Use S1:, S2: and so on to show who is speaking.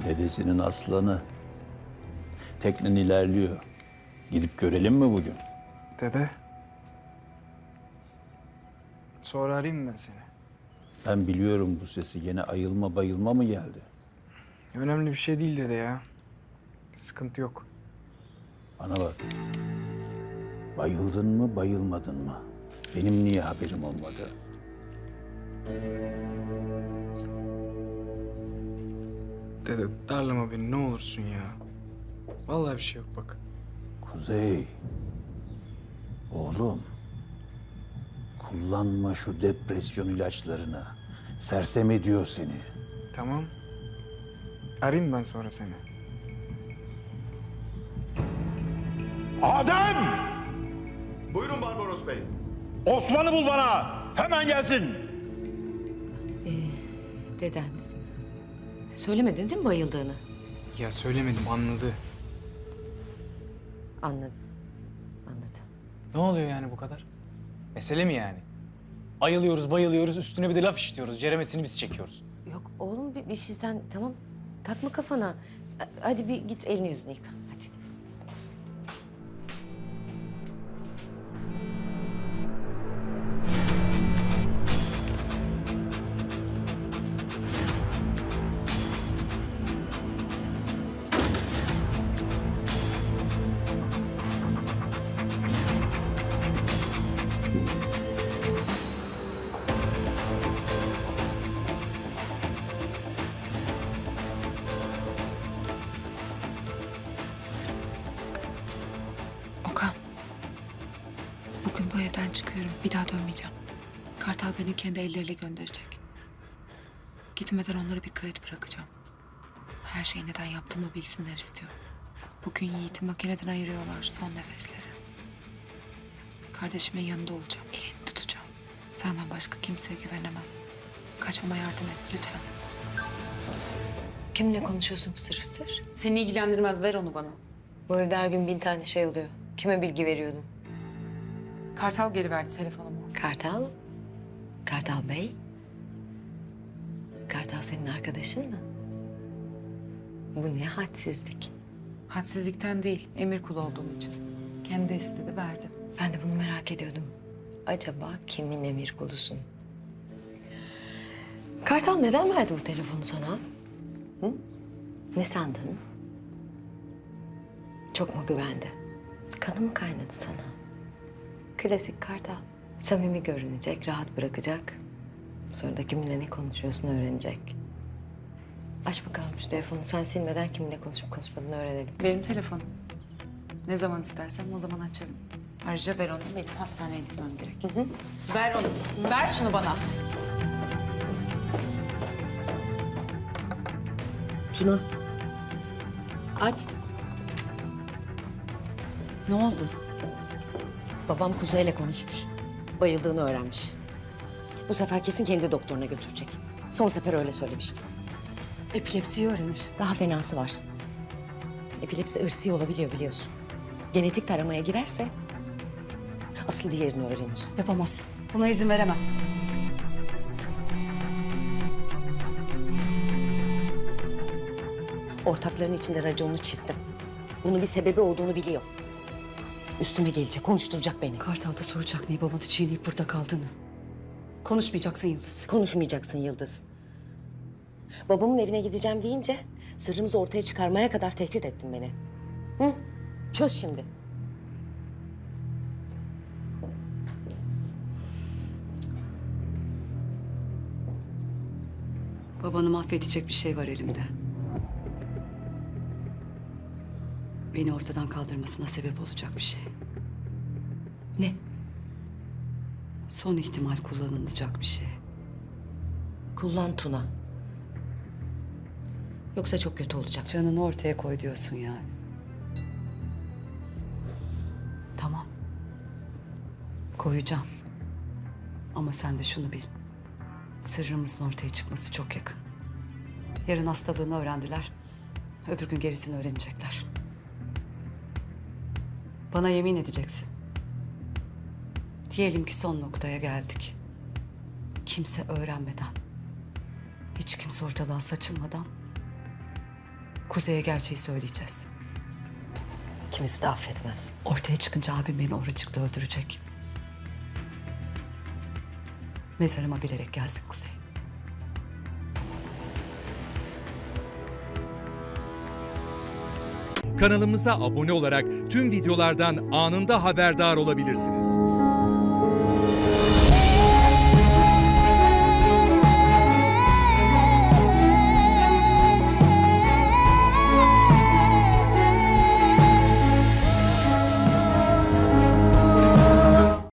S1: Dedesinin aslanı. Teknen ilerliyor. Gidip görelim mi bugün?
S2: Dede. Sonra arayayım mı ben seni?
S1: Ben biliyorum bu sesi. Yine ayılma bayılma mı geldi?
S2: Önemli bir şey değil dede ya. Sıkıntı yok.
S1: Bana bak. Bayıldın mı bayılmadın mı? Benim niye haberim olmadı?
S2: Dede darlama beni ne olursun ya. Vallahi bir şey yok bak.
S1: Kuzey. Oğlum. Kullanma şu depresyon ilaçlarını. Sersem ediyor seni.
S2: Tamam. Arayayım ben sonra seni.
S3: Adem!
S4: Buyurun Barbaros Bey.
S3: Osman'ı bul bana! Hemen gelsin!
S5: Deden. Söylemedin değil mi bayıldığını?
S2: Ya söylemedim anladı.
S5: Anladım. Anladım.
S6: Ne oluyor yani bu kadar? Mesele mi yani? Ayılıyoruz, bayılıyoruz, üstüne bir de laf işliyoruz. Ceremesini biz çekiyoruz.
S5: Yok oğlum bir şeyden tamam. Takma kafana. Hadi bir git elini yüzünü yıka. Hadi.
S7: Okan. Bugün bu evden çıkıyorum. Bir daha dönmeyeceğim. Kartal beni kendi elleriyle gönderecek. Gitmeden onlara bir kayıt bırakacağım. Her şeyi neden yaptığımı bilsinler istiyorum. Bugün Yiğit'i makineden ayırıyorlar son nefesleri. Kardeşimin yanında olacağım. Elini tutacağım. Senden başka kimseye güvenemem. Kaçmama yardım et lütfen.
S5: Kiminle konuşuyorsun fısır fısır?
S7: Seni ilgilendirmez. Ver onu bana.
S5: Bu evde her gün 1000 tane şey oluyor. Kime bilgi veriyordun?
S7: Kartal geri verdi telefonumu.
S5: Kartal? Kartal Bey? Kartal senin arkadaşın mı? Bu ne hadsizlik.
S7: Hadsizlikten değil, emir kulu olduğum için. Kendi istedi, verdi.
S5: Ben de bunu merak ediyordum. Acaba kimin emir kulusun? Kartal neden verdi bu telefonu sana? Hı? Ne sandın? Çok mu güvendi? Kanı mı kaynadı sana? Klasik Kartal. Samimi görünecek, rahat bırakacak. Sonra da kiminle ne konuşuyorsun öğrenecek. Aç bakalım şu telefonu. Sen silmeden kiminle konuşup konuşmadığını öğrenelim.
S7: Benim telefonum. Ne zaman istersem o zaman açarım. Ayrıca ver onu, benim hastaneye gitmem gerek. Ver onu, ver şunu bana.
S5: Tuna. Aç.
S7: Ne oldu?
S5: Babam Kuzey'le konuşmuş. Bayıldığını öğrenmiş. Bu sefer kesin kendi doktoruna götürecek. Son sefer öyle söylemişti.
S7: Epilepsiyi öğrenir.
S5: Daha fenası var. Epilepsi ırsi olabiliyor biliyorsun. Genetik taramaya girerse asıl diğerini öğrenir.
S7: Yapamaz. Buna izin veremem.
S5: Ortakların içinde raconunu çizdim. Bunun bir sebebi olduğunu biliyor. Üstüme gelecek, konuşturacak beni.
S7: Kartal'da soracak niye babanı çiğneyip burada kaldığını. Konuşmayacaksın Yıldız.
S5: Konuşmayacaksın Yıldız. Babamın evine gideceğim deyince sırrımızı ortaya çıkarmaya kadar tehdit ettin beni. Hı? Çöz şimdi.
S7: Babanı mahvedecek bir şey var elimde. Beni ortadan kaldırmasına sebep olacak bir şey.
S5: Ne?
S7: Son ihtimal kullanılacak bir şey.
S5: Kullan Tuna. Yoksa çok kötü olacak.
S7: Canını ortaya koy diyorsun yani. Tamam. Koyacağım. Ama sen de şunu bil. Sırrımızın ortaya çıkması çok yakın. Yarın hastalığını öğrendiler. Öbür gün gerisini öğrenecekler. Bana yemin edeceksin. Diyelim ki son noktaya geldik. Kimse öğrenmeden, hiç kimse ortalığa saçılmadan
S8: Kuzey'e gerçeği söyleyeceğiz.
S5: Kimisi de affetmez.
S8: Ortaya çıkınca abim beni oracıkta öldürecek. Mezarıma bilerek gelsin Kuzey.
S9: Kanalımıza abone olarak tüm videolardan anında haberdar olabilirsiniz.